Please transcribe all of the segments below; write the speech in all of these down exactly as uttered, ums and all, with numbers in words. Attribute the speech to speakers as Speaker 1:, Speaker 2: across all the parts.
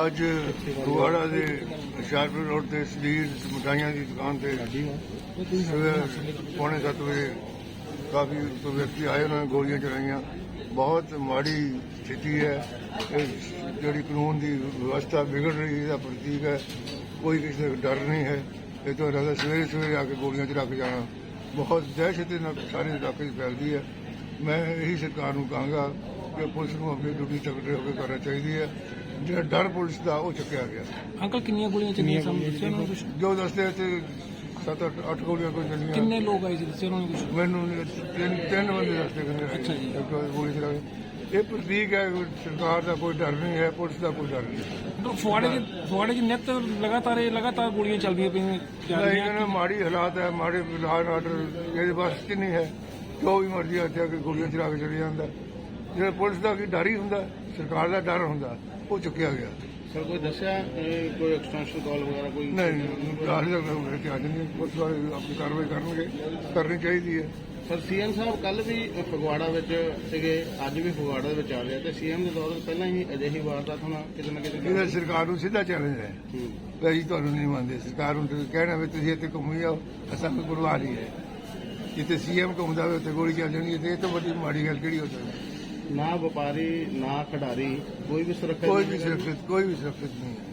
Speaker 1: ਅੱਜ ਫਗਵਾੜਾ ਦੇ ਹੁਸ਼ਿਆਰਪੁਰ ਰੋਡ ਤੇ ਸਦੀਰ ਮਿਠਾਈਆਂ ਦੀ ਦੁਕਾਨ ਤੇ ਸਵੇਰ ਪੌਣੇ ਸੱਤ ਵਜੇ ਕਾਫੀ ਵਿਅਕਤੀ ਆਏ, ਉਹਨਾਂ ਨੇ ਗੋਲੀਆਂ ਚਲਾਈਆਂ। ਬਹੁਤ ਮਾੜੀ ਸਥਿਤੀ ਹੈ। ਇਹ ਜਿਹੜੀ ਕਾਨੂੰਨ ਦੀ ਵਿਵਸਥਾ ਵਿਗੜ ਰਹੀ ਇਹਦਾ ਪ੍ਰਤੀਕ ਹੈ। ਕੋਈ ਕਿਸੇ ਦਾ ਡਰ ਨਹੀਂ ਹੈ। ਇਹ ਤੋਂ ਇਲਾਵਾ ਸਵੇਰੇ ਸਵੇਰੇ ਆ ਕੇ ਗੋਲੀਆਂ ਚਲਾ ਕੇ ਜਾਣਾ ਬਹੁਤ ਦਹਿਸ਼ਤ ਨਾਲ ਸਾਰੇ ਇਲਾਕੇ 'ਚ ਫੈਲਦੀ ਹੈ। ਮੈਂ ਇਹੀ ਸਰਕਾਰ ਨੂੰ ਕਹਾਂਗਾ ਕਿ ਪੁਲਿਸ ਨੂੰ ਆਪਣੀ ਡਿਊਟੀ ਤਕੜੇ ਹੋ ਕੇ ਕਰਨਾ ਚਾਹੀਦੀ ਹੈ। ਜਿਹੜਾ ਡਰ ਪੁਲਿਸ ਦਾ ਉਹ ਚੁੱਕਿਆ ਗਿਆ।
Speaker 2: ਅੰਕਲ ਕਿੰਨੀਆਂ ਗੋਲੀਆਂ ਚੱਲੀਆਂ ਸਾਹਮਣੇ ਕੁਝ
Speaker 1: ਜੋ ਦੱਸਦੇ ਤੇ ਸੱਤ ਅੱਠ ਅੱਠ ਗੋਲੀਆਂ ਕੋਈ ਚੱਲੀਆਂ।
Speaker 2: ਕਿੰਨੇ ਲੋਕ ਆਏ ਸੀ ਦੱਸਿਆ ਉਹਨਾਂ ਨੇ ਕੁਝ?
Speaker 1: ਮੈਨੂੰ ਤਿੰਨ ਤਿੰਨ ਬੰਦੇ ਦੱਸਦੇ
Speaker 2: ਅੱਛਾ ਜੀ।
Speaker 1: ਕਹਿੰਦੇ ਗੋਲੀ ਚਲਾ ਕੇ। ਇਹ ਪ੍ਰਤੀਕ ਹੈ ਸਰਕਾਰ ਦਾ ਕੋਈ ਡਰ ਨਹੀਂ ਹੈ, ਪੁਲਿਸ ਦਾ ਕੋਈ ਡਰ ਨਹੀਂ।
Speaker 2: ਫਗਵਾੜੇ ਦੇ ਫਗਵਾੜੇ ਦੀ ਨਿੱਤ ਲਗਾਤਾਰ ਇਹ ਲਗਾਤਾਰ ਗੋਲੀਆਂ ਚੱਲਦੀਆਂ ਪਈਆਂ ਜਾ ਰਹੀਆਂ।
Speaker 1: ਇਹਨਾਂ ਮਾੜੀ ਹਾਲਾਤ ਹੈ, ਮਾੜੇ ਲਾਅ ਆਰਡਰ ਇਹਦੇ ਬਸ 'ਚ ਨਹੀਂ ਹੈ। ਜੋ ਵੀ ਮਰਜ਼ੀ ਇੱਥੇ ਆ ਕੇ ਗੋਲੀਆਂ ਚਲਾ ਕੇ ਚਲੇ ਜਾਂਦਾ। ਜਿਹੜਾ ਪੁਲਿਸ ਦਾ ਕੀ ਡਰ ਹੀ ਹੁੰਦਾ, ਸਰਕਾਰ ਦਾ ਡਰ ਹੁੰਦਾ, ਉਹ ਚੁੱਕਿਆ ਗਿਆ।
Speaker 3: ਸਰ ਕੋਈ ਦੱਸਿਆ ਕੋਈ ਐਕਸਟੈਂਸ਼ਨ ਕਾਲ ਵਗੈਰਾ ਕੋਈ?
Speaker 1: ਨਹੀਂ, ਹਾਲੇ ਤੱਕ ਮੇਰੇ ਤੇ ਅੱਜ ਨਹੀਂ। ਪੁਲਿਸ ਵਾਲੇ ਆਪਣੀ ਕਾਰਵਾਈ ਕਰਨਗੇ, ਕਰਨੀ ਚਾਹੀਦੀ ਹੈ।
Speaker 3: ਸਰ ਸੀਐਮ ਸਾਹਿਬ ਕੱਲ ਵੀ ਫਗਵਾੜਾ ਵਿੱਚ ਸੀਗੇ, ਅੱਜ ਵੀ ਫਗਵਾੜਾ ਦੇ ਵਿੱਚ ਆ ਰਹੇ ਤੇ ਸੀਐਮ ਦੇ ਦੌਰ ਤੋਂ ਪਹਿਲਾਂ ਹੀ ਅਜਿਹੀ ਵਾਰਦਾਤ ਹੋਣਾ ਕਿਤੇ ਨਾ ਕਿਤੇ।
Speaker 1: ਇਹਦਾ ਸਰਕਾਰ ਨੂੰ ਸਿੱਧਾ ਚੈਲੰਜ ਹੈ ਵੀ ਅਸੀਂ ਤੁਹਾਨੂੰ ਨਹੀਂ ਮੰਨਦੇ। ਸਰਕਾਰ ਨੂੰ ਤੁਸੀਂ ਕਹਿਣਾ ਵੀ ਤੁਸੀਂ ਇੱਥੇ ਘੁੰਮੀ ਜਾਓ, ਅਸਾਂ ਕੋਈ ਪਰਵਾਹ ਨਹੀਂ ਹੈ। ਜਿੱਥੇ ਸੀਐਮ ਘੁੰਮਦਾ ਹੋਵੇ ਉੱਥੇ ਗੋਲੀ ਚੱਲ ਜਾਣੀ ਹੈ। ਇਹ ਤੋਂ ਵੱਡੀ ਮਾੜੀ ਗੱਲ ਕਿਹੜੀ ਹੋ ਸਕਦੀ?
Speaker 3: ਨਾ ਵਪਾਰੀ ਨਾ ਖਿਡਾਰੀ ਕੋਈ ਵੀ ਸੁਰੱਖਿਆ
Speaker 1: ਕੋਈ ਵੀ ਸੁਰੱਖਿਅਤ ਕੋਈ ਵੀ ਸੁਰੱਖਿਅਤ ਨਹੀਂ ਹੈ।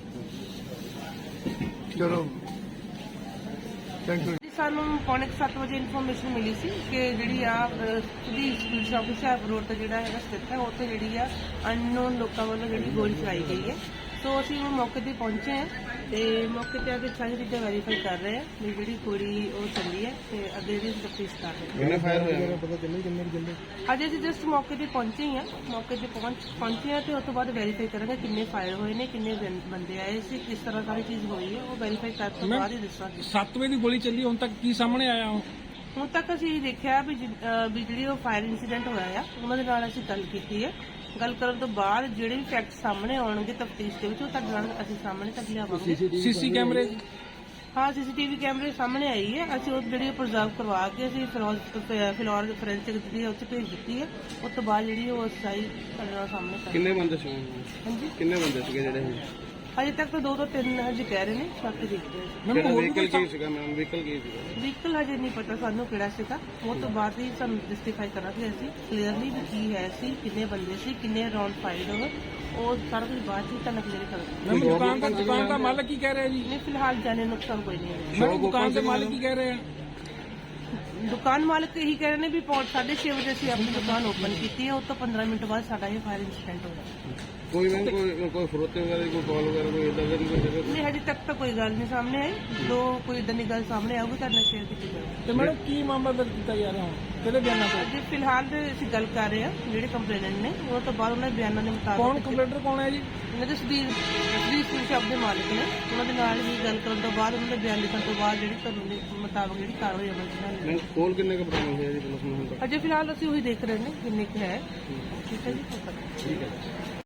Speaker 1: ਚਲੋ ਥੈਂਕ ਯੂ।
Speaker 4: ਸਾਨੂੰ ਪੌਣੇ ਸੱਤ ਵਜੇ ਇਨਫੋਰਮੇਸ਼ਨ ਮਿਲੀ ਸੀ ਕਿ ਜਿਹੜੀ ਆ ਸਦੀਰ ਪੁਲਿਸ ਆਫਿਸ ਹੁਸ਼ਿਆਰਪੁਰ ਰੋਡ ਤੇ ਜਿਹੜਾ ਹੈਗਾ ਸਥਿਤ ਹੈ, ਉੱਥੇ ਜਿਹੜੀ ਆ ਅਨਨੋਨ ਲੋਕਾਂ ਵੱਲੋਂ ਜਿਹੜੀ ਗੋਲੀ ਚਲਾਈ ਗਈ ਹੈ। ਸੋ ਅਸੀਂ ਉਹ ਮੌਕੇ ਤੇ ਪਹੁੰਚੇ ਹਾਂ ਤੇ ਮੌਕੇ ਤੇ ਆ ਕੇ ਸਾਰੀ ਚੀਜ਼ਾਂ ਵੈਰੀਫਾਈ ਕਰ ਰਹੇ ਹਾਂ ਵੀ ਜਿਹੜੀ ਗੋਲੀ ਉਹ ਚੱਲੀ ਹੈ ਤੇ ਅੱਗੇ ਦੀ ਤਫਤੀਸ਼ ਕਰ ਰਹੇ ਹਾਂ।
Speaker 3: ਕਿੰਨੇ ਫਾਇਰ ਹੋਏ?
Speaker 2: ਪਤਾ ਚੱਲੇ ਕਿੰਨੇ ਕਿੰਨੇ
Speaker 4: ਅੱਜ ਅਸੀਂ ਜਸਟ ਮੌਕੇ ਤੇ ਪਹੁੰਚੇ ਹੀ ਹਾਂ। ਮੌਕੇ ਤੇ ਪਹੁੰਚ ਪਹੁੰਚੇ ਹਾਂ ਤੇ ਉਸ ਤੋਂ ਬਾਅਦ ਵੈਰੀਫਾਈ ਕਰਾਂਗੇ ਕਿੰਨੇ ਫਾਇਰ ਹੋਏ ਨੇ, ਕਿੰਨੇ ਬੰ- ਬੰਦੇ ਆਏ ਸੀ, ਕਿਸ ਤਰ੍ਹਾਂ ਸਾਰੀ ਚੀਜ਼ ਹੋਈ ਹੈ। ਉਹ ਵੈਰੀਫਾਈ ਕਰਨ ਤੋਂ ਬਾਅਦ ਹੀ ਦੱਸਾਂਗੇ।
Speaker 2: ਸੱਤ ਵਜੇ ਦੀ ਗੋਲੀ ਚੱਲੀ, ਹੁਣ ਤੱਕ ਕੀ ਸਾਹਮਣੇ ਆਇਆ?
Speaker 4: ਹੁਣ ਤੱਕ ਅਸੀਂ ਦੇਖਿਆ ਵੀ ਜਿ- ਅਹ ਵੀ ਜਿਹੜੀ ਉਹ ਫਾਇਰ ਇਨਸੀਡੈਂਟ ਹੋਇਆ ਆ ਉਹਨਾਂ ਦੇ ਨਾਲ ਅਸੀਂ ਗੱਲ ਕੀਤੀ ਹੈ। ਗੱਲ ਕਰਨ ਤੋਂ ਬਾਅਦ ਜਿਹੜੇ ਵੀ ਫੈਕਟ ਸਾਹਮਣੇ ਆਉਣਗੇ ਤਫਤੀਸ਼ ਦੇ ਵਿੱਚ ਉਹ ਤੁਹਾਡੇ ਨਾਲ ਅਸੀਂ ਸਾਹਮਣੇ ਤੱਕ ਲਿਆਵਾਂਗੇ।
Speaker 2: ਸੀਸੀ ਕੈਮਰੇ?
Speaker 4: ਹਾਂ, ਸੀਸੀਟੀਵੀ ਕੈਮਰੇ ਸਾਹਮਣੇ ਆਈ ਹੈ। ਅਸੀਂ ਉਹ ਜਿਹੜੀ ਪ੍ਰੀਜ਼ਰਵ ਕਰਵਾ ਕੇ ਅਸੀਂ ਫਿਲੌਰ ਫਿਲੌਰ ਫੋਰੈਂਸਿਕ ਜਿਹੜੀ ਉੱਥੇ ਭੇਜ ਦਿੱਤੀ ਹੈ। ਉਸ ਤੋਂ ਬਾਅਦ ਜਿਹੜੀ ਉਹ ਸਹੀ ਤੁਹਾਡੇ ਨਾਲ ਸਾਹਮਣੇ ਕਰ
Speaker 3: ਕਿੰਨੇ ਬੰਦੇ ਸੀ?
Speaker 4: ਹਾਂਜੀ,
Speaker 3: ਕਿੰਨੇ ਬੰਦੇ ਸੀਗੇ ਜਿਹੜੇ?
Speaker 4: ਅਜੇ ਤੱਕ ਤਾਂ ਦੋ ਤੋਂ ਤਿੰਨ ਹਜੇ ਕਹਿ ਰਹੇ ਨੇ, ਬਾਕੀ ਦੇਖਦੇ ਹਾਂ।
Speaker 2: ਮੈਨੂੰ ਹੋਰ ਵੀ
Speaker 3: ਵਹੀਕਲ
Speaker 2: ਕੋਈ
Speaker 3: ਕੀ ਸੀਗਾ ਮੈਮ? ਵਹੀਕਲ ਕੀ ਸੀਗਾ?
Speaker 4: ਵਹੀਕਲ ਹਜੇ ਨਹੀਂ ਪਤਾ ਸਾਨੂੰ ਕਿਹੜਾ ਸੀਗਾ। ਉਹ ਤੋਂ ਬਾਅਦ ਹੀ ਸਾਨੂੰ ਜਸਟੀਫਾਈ ਕਰਾਂਗੇ ਅਸੀਂ ਕਲੀਅਰਲੀ ਵੀ ਕੀ ਹੈ ਸੀ, ਕਿੰਨੇ ਬੰਦੇ ਸੀ, ਕਿੰਨੇ ਰਾਉਂਡ ਫਾਇਰ ਹੋਏ, ਉਹ ਸਾਰਾ ਕੁਝ ਬਾਅਦ ਚ ਤੁਹਾਨੂੰ ਕਲੀਅਰ ਕਰਾਂਗੇ।
Speaker 2: ਮੈਨੂੰ ਦੁਕਾਨ ਦਾ ਦੁਕਾਨ ਦਾ ਮਾਲਕ ਕੀ ਕਹਿ ਰਿਹਾ ਜੀ?
Speaker 4: ਨਹੀਂ, ਫਿਲਹਾਲ ਜਾਣੇ ਨੁਕਸਾਨ ਕੋਈ ਨਹੀਂ ਹੈ।
Speaker 2: ਮੈਨੂੰ ਦੁਕਾਨ ਦੇ ਮਾਲਕ ਕੀ ਕਹਿ ਰਹੇ ਆ?
Speaker 4: ਦੁਕਾਨ ਮਾਲਕ ਇਹੀ ਕਹਿ ਰਹੇ ਨੇ ਵੀ ਪੌਣ ਸਾਢੇ ਛੇ ਵਜੇ ਅਸੀਂ ਆਪਣੀ ਦੁਕਾਨ ਓਪਨ ਕੀਤੀ ਹੈ। ਉਸ ਤੋਂ ਪੰਦਰਾਂ ਮਿੰਟ ਬਾਅਦ ਸਾਡਾ ਇਹ ਫਾਇਰ ਇਨਸੀਡੈਂਟ ਹੋਇਆ।
Speaker 3: ਕੋਈ ਮੈਮ ਕੋਈ ਕੋਈ ਫਰੋਤੇ ਵਗੈਰਾ ਕੋਈ ਕਾਲ ਵਗੈਰਾ ਕੋਈ ਇਦਾਂ ਦਾ ਨਹੀਂ?
Speaker 4: ਨਹੀਂ, ਹਜੇ ਤੱਕ ਤਾਂ ਕੋਈ ਗੱਲ ਨਹੀਂ ਸਾਹਮਣੇ ਆਈ। ਜੋ ਕੋਈ ਇਦਾਂ ਦੀ ਗੱਲ ਸਾਹਮਣੇ ਆਊਗੀ ਤੁਹਾਡੇ ਨਾਲ ਸ਼ੇਅਰ ਕੀਤੀ ਜਾਊਗੀ।
Speaker 2: ਤੇ ਮੈਡਮ ਕੀ ਮਾਮਲਾ ਦਰਜ ਕੀਤਾ ਜਾ ਰਿਹਾ ਹੁਣ? ਕਿਹਦੇ ਬਿਆਨਾਂ ਤੇ?
Speaker 4: ਅਜੇ ਫਿਲਹਾਲ ਤੇ ਅਸੀਂ ਗੱਲ ਕਰ ਰਹੇ ਹਾਂ ਜਿਹੜੇ ਕੰਪਲੇਨੈਂਟ ਨੇ, ਉਹ ਤੋਂ ਬਾਅਦ ਉਹਨਾਂ ਦੇ ਬਿਆਨਾਂ ਦੇ ਮੁਤਾਬਕ
Speaker 2: ਕੌਣ ਕੰਪਲੇਂਟਰ ਕੌਣ ਹੈ ਜੀ?
Speaker 4: ਇਹਨਾਂ ਦੇ ਸਦੀਰ ਸਦੀਰ ਸਿੰਘ ਸ਼ਾਪ ਦੇ ਮਾਲਕ ਨੇ। ਉਹਨਾਂ ਦੇ ਨਾਲ ਵੀ ਗੱਲ ਕਰਨ ਤੋਂ ਬਾਅਦ ਉਹਨਾਂ ਦੇ ਬਿਆਨ ਲਿਖਣ ਤੋਂ ਬਾਅਦ ਜਿਹੜੀ ਕਾਨੂੰਨ ਦੇ ਮੁਤਾਬਕ ਜਿਹੜੀ ਕਾਰਵਾਈ ਅਮਲ ਚ ਲਿਆਂਦੀ
Speaker 3: ਮੈਂ ਕੋਲ ਕਿੰਨੇ ਕੁ ਬਰਾਮਦ ਹੋਇਆ ਜੀ ਪੁਲਿਸ ਨੂੰ ਹੁਣ ਤੱਕ?
Speaker 4: ਅਜੇ ਫਿਲਹਾਲ ਅਸੀਂ ਉਹੀ ਦੇਖ ਰਹੇ ਨੇ ਕਿੰਨੇ ਕੁ ਹੈ। ਠੀਕ ਹੈ ਜੀ,
Speaker 3: ਠੀਕ ਹੈ।